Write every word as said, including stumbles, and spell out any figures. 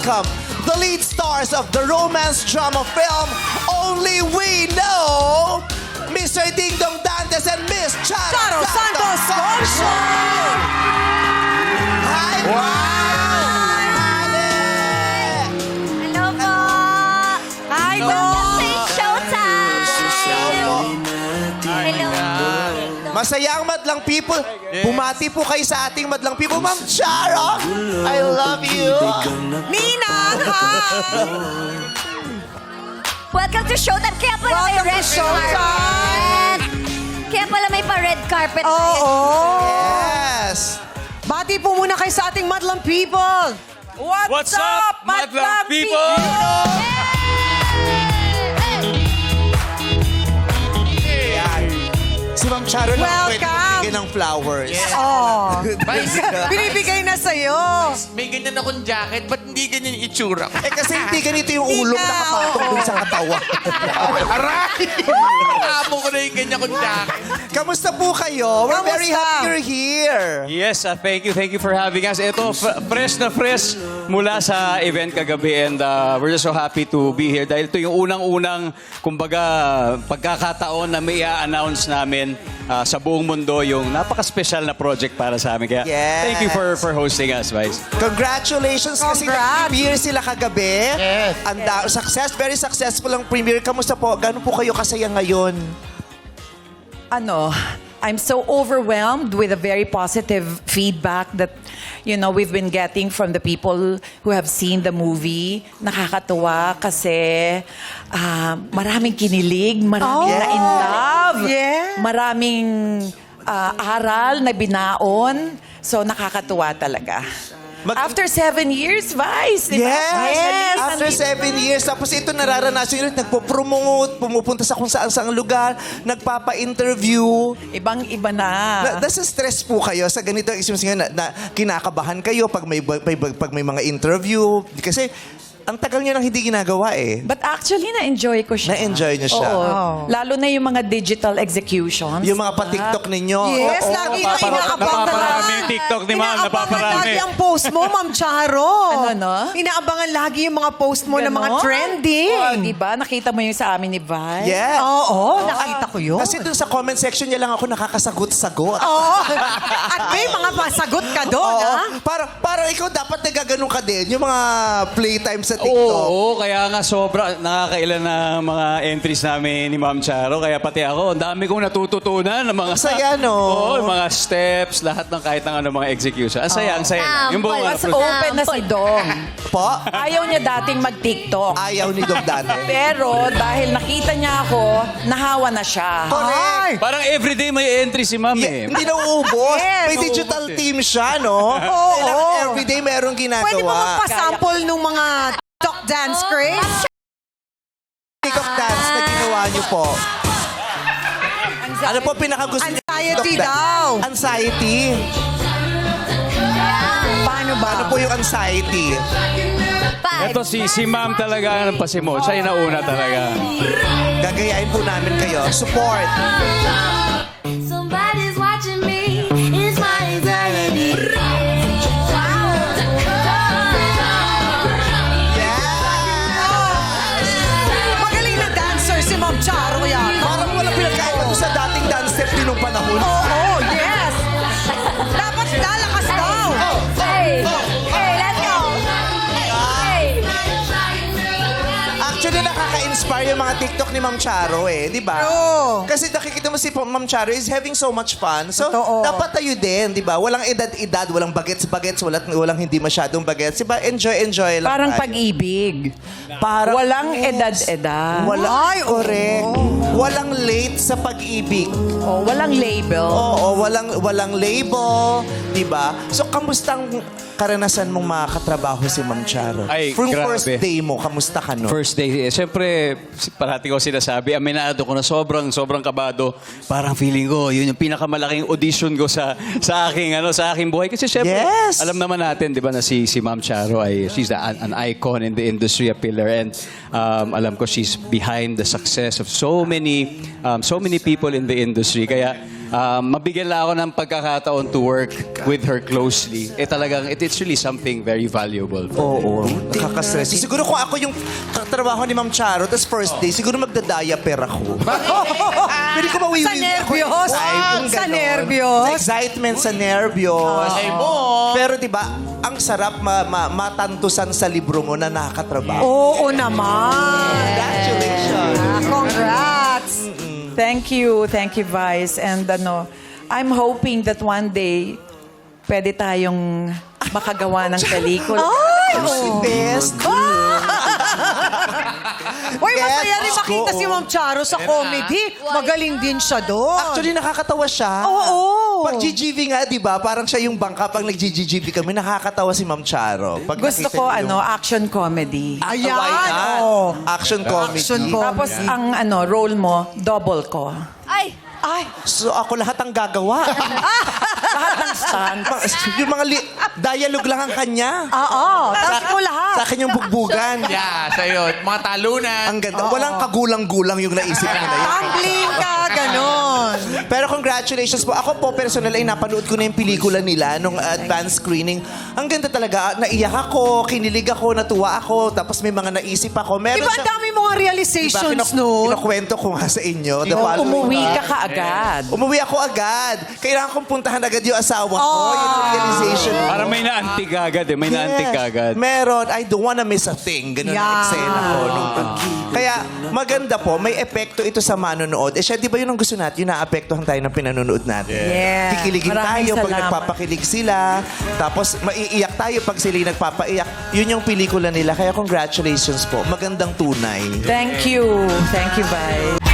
welcome the lead stars of the romance drama film Only We Know, Mister Ding Dong Dantes and Miss Charo, Charo Santos Concho! Hi! Wow! Hello po! Hi, Welcome Dong! to Showtime! Hello. Masaya ang madlang people. Bumati po kayo sa ating madlang people. Ma'am Charo, I love you. Ninang, hi! Welcome to Showtime. Kaya pala may Welcome to red Showtime. carpet. Kaya pala may pa-red carpet. Oo. Yes. Bati po muna kayo sa ating madlang people. What's, What's up, madlang people? Si Ma'am Charo na Welcome. pwede bigyan ng flowers. Oh. Binibigay na sa'yo. May ganyan akong jacket, ba't hindi ganyan yung itsura ko? Eh kasi hindi ganito yung ulo Hindi na, nakapatong oo. dun sa katawan. Aray! Amo ko na yung ganyan kong jacket. Kamusta po kayo? We're very Kamusta? happy you're here. Yes, uh, thank you. Thank you for having us. Ito, f- fresh na fresh mula sa event kagabi and uh, we're just so happy to be here dahil ito yung unang-unang, kumbaga, pagkakataon na may i-announce namin uh, sa buong mundo yung napaka-special na project para sa amin. Kaya Yes. thank you for for hosting us, Vice. Congratulations kasi Congrats. nag-premiere sila kagabi. Yes. And uh, success, very successful ang premiere. Kamusta po? Gano'n po kayo kasaya ngayon? ano, I'm so overwhelmed with a very positive feedback that, you know, we've been getting from the people who have seen the movie. Nakakatuwa kasi ah, maraming kinilig, maraming Oh, na in love, yeah. maraming ah, aral na binaon. So, nakakatuwa talaga. Mag- After seven years, Vice, di ba? Yes! Finally, After nandito- seven years. Tapos ito nararanasan nyo, nagpo-promote, pumupunta sa kung saan saang lugar, nagpapa-interview. Ibang-iba na. Na, nasa stress po kayo sa ganito ang isip na, na kinakabahan kayo pag may, pag, pag may mga interview. Kasi ang tagal nyo nang hindi ginagawa eh. But actually, na-enjoy ko siya. Na-enjoy niyo siya. Oo. Oh. Lalo na yung mga digital executions. Yung mga pa-TikTok ninyo. Yes, Oo. lagi na napapara- inaabang napaparami na yung TikTok ni Ma'am, Inaabangan napaparami. lagi ang post mo, Ma'am Charo. Ano, no? Inaabangan lagi yung mga post mo na mga Ganon? trending. Oh, diba? Nakita mo yung sa amin ni Vi? Yeah. Oo, nakita ko yun. Kasi dun sa comment section niya lang ako nakakasagot-sagot. Oo. At may mga pasagot ka doon, Oo. ha? Para, para ikaw dapat nagaganon ka din. Yung mga playtime sa TikTok. Oo, kaya nga sobra, nakakailan na mga entries namin ni Ma'am Charo. Kaya pati ako, ang dami kong natututunan ng mga... Saya, no? Oo, yung mga steps, lahat ng kahit ng ano, mga execution. Ang saya, ang saya. lang. Yung buong Sample. Mas open na si Dong. Po, Ayaw niya dating mag-TikTok. ayaw ni Dog Dante. Pero dahil nakita niya ako, nahawa na siya. Correct. Parang everyday may entry si Ma'am Yeah, eh. hindi na uubos. Yes. May digital team siya, no? Oo. Kailangan everyday merong ginagawa. Pwede mo magpasample nung mga TikTok dance craze? TikTok dance na ginawa niyo po. Ano po pinakagusto niyo? Anxiety TikTok dance? daw. Anxiety. Paano ba? Ano po yung anxiety? Five. Ito si si Ma'am talaga ang pasimo. Siya yung nauna talaga. Gagayain po namin kayo. Support. Somebody's watching me. It's my anxiety. Magaling na dancer si Ma'am Charo yan. Parang wala pinagkaiba doon sa dating dance step din nung panahon. Oo, yes. Dapat lalakas daw. Hey, hey, let's go. Hey. Actually, nakaka-inspire yung mga TikTok ni Ma'am Charo eh, di ba? Oo. Kasi nakikita mo si Ma'am Charo is having so much fun. So, Totoo. dapat tayo din, di ba? Walang edad-edad, walang bagets-bagets, walang, walang hindi masyadong bagets. Di ba? Enjoy-enjoy lang Parang tayo. pag-ibig. Parang, Walang yes. edad-edad. Walang, Ay, oo. correct. Walang late sa pag-ibig. Oh, walang label. Oo, walang walang label, 'di ba? So kamustang karanasan mong makakatrabaho si Ma'am Charo? Ay, From grabe. first day mo, kamusta ka no? First day, eh, siyempre, si- parati ko sinasabi, aminado ko na sobrang, sobrang kabado. Parang feeling ko, yun yung pinakamalaking audition ko sa sa aking, ano, sa aking buhay. Kasi siyempre, Yes! alam naman natin, di ba, na si, si Ma'am Charo ay, she's the, an, an icon in the industry, a pillar. And um, alam ko, she's behind the success of so many, um, so many people in the industry. Kaya, um, mabigyan lang ako ng pagkakataon to work with her closely. Eh talagang, it, it's really something very valuable. Oo, nakaka-stress. Siguro kung ako yung katrabaho ni Ma'am Charo, tapos first day, siguro magda-diaper ako. Pwede ko mawiwi. Sa nervyos? Sa nervyos? Sa excitement, sa nervyos. Ay mo. Pero di ba, ang sarap ma- ma- matantusan sa libro mo na nakakatrabaho. Oo naman. Congratulations. Ah, congrats. Thank you, thank you, Vice. And ano, I'm hoping that one day, pwede tayong makagawa ng pelikula. Ay! Si Best. Uy, masaya Yes, rin makita ko. si Ma'am Charo sa comedy. Magaling din siya doon. Actually, nakakatawa siya. Oo. Pag G G V nga, di ba? Parang siya yung bangka. Pag nag-G G V kami, nakakatawa si Ma'am Charo. Pag Gusto nakita ko, niyo ano, yung- action comedy. Ayan. Why not? Oh. Action comedy. Action comedy. Tapos, ang ano, role mo, double ko. Ay, Ay. So ako lahat ang gagawa. Lahat ng stunt. yung mga li- dialogue lang ang kanya. Oo. Tapos ko lahat. Sa akin yung bugbugan. Yeah, sa'yo. Mga talunan. Ang ganda. Walang kagulang-gulang yung naisip nila yun. Tumbling ka, ganon. Pero congratulations po. Ako po, personal ay napanood ko na yung pelikula nila nung advanced screening. Ang ganda talaga. Naiyak ako, kinilig ako, natuwa ako, tapos may mga naisip ako. Meron Diba ang siya- dami mga realizations Diba, kinak- noon? Kinakwento ko nga sa inyo. The Oh, following- umuwi ka kaagad. Umuwi ako agad. Kailangan kong puntahan agad yung asawa ko. Oh. Yun ang realization. ko. Parang may naantig agad eh. May naantig Yes. agad. Meron. I don't wanna miss a thing. Ganun ang Yeah. eksena ko. Nung, kaya maganda po, may epekto ito sa manonood. Eh siya, di ba yun ang gusto natin? Yung naapektuhan tayo ng pinanonood natin. Yeah. Kikiligin Maraming tayo pag salamat. nagpapakilig sila. Tapos maiiyak tayo pag sila yung nagpapaiyak. Yun yung pelikula nila. Kaya congratulations po. Magandang tunay. Thank you. Thank you, Vice.